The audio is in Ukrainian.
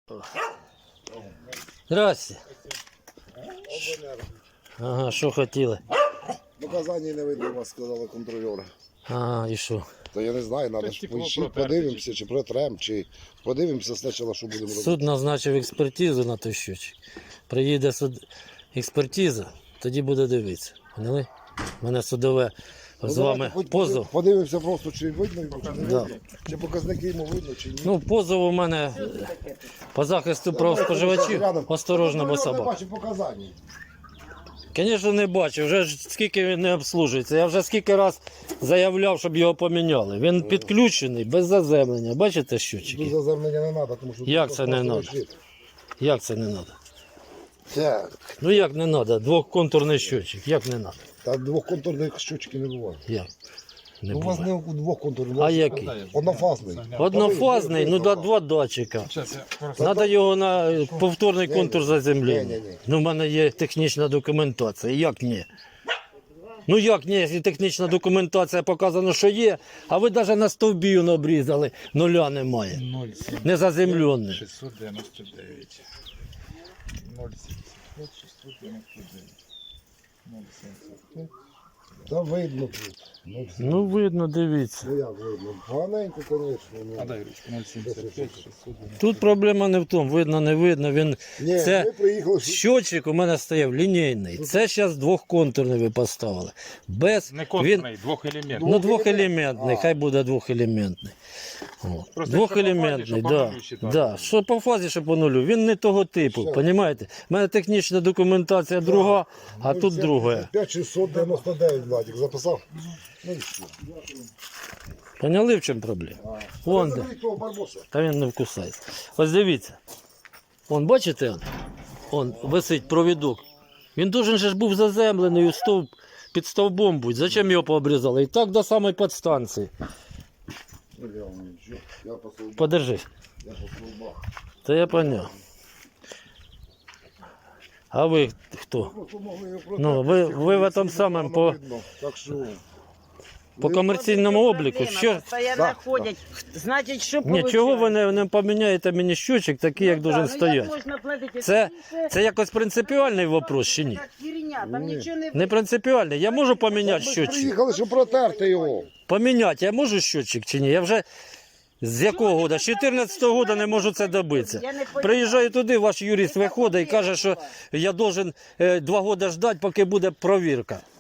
Здрасте. Ага, що хотіли? Показання не видно, вас сказали контролери. Ага, і що? То я не знаю, треба ж подивимося, чи протрем, чи подивимося спочатку, що будемо робити. Суд назначив експертизу на той щочик. Приїде експертиза, тоді буде дивитися. Поняли? У мене судове з вами позов. Подивимося просто, чи видно його, чи не Да. видно. Чи показники йому видно, чи ні. Ну, позов у мене по захисту прав споживачів. Осторожно, бо собак. Я не бачу показань. Звісно, не бачу. Вже ж скільки він не обслужується. Я вже скільки раз заявляв, щоб його поміняли. Він підключений, без заземлення. Бачите Тут щучки? заземлення не треба, тому що... Як тут це не просто треба? лежить. Як це не треба? Так. Ну як не треба? Двохконтурний щочик. Як не треба? Та двохконтурних щучки не буває. Як? Не Ну, у вас буває. не двохконтурних. А який? Однофазний. Однофазний, ну да, два датчика. Треба його на повторний контур заземлення. Ні. Ну, в мене є технічна документація. Як ні? Ну як ні, якщо технічна документація показано, що є, а ви навіть на стовбі не обрізали, нуля немає. 0,7. Не заземлений. 699. 0,75, 699. 0,75. Та видно тут. Ну видно, дивіться. Ну як видно? Поганенько, звісно. Ну. А дай ручку. 0,75, 699. Тут проблема не в тому, видно, не видно. Він... Ні, Це ми приїхали... щочик у мене стояв лінійний. Це зараз двохконтурний ви поставили. Без... Не Він... контурний, двохелементний. Ну, двохелементний, хай буде двохелементний. От. Просто Двохелементний, якщо по да. фазі, щоб по нулю Да. Що по фазі, що по нулю. Він не того типу, Все. розумієте? У мене технічна документація друга, а тут друга. 5699, Владик, записав? Ну і все. Поняли, в чому проблема? Вон де. Заберіть того барбоса. Та він не вкусається. Ось дивіться. Вон, бачите? Он висить провідок. Він должен же ж був заземлений у стовп, під стовбом будь. Зачем його пообрізали? І так до самої підстанції. Ну, я вам нічого. Я по стовбах. Подержи. Я по стовбах. Та я поняв. А ви хто? Просто могли його Ну, ви в этом самому по... видно. Так що... По комерційному обліку. Що? Постоянно ходять. Значить, що Нічого ви не поміняєте мені щочик, такий, як должен стояти. Це якось принципіальний вопрос чи ні? Не принципіальний. Я можу поміняти Ми щочик? приїхали, щоб протерти його. Поміняти я можу щочик чи ні? Я вже з якого года? З 14-го года не можу це добитися. Приїжджаю туди, ваш юрист виходить і каже, що я должен 2 роки ждати, поки буде провірка.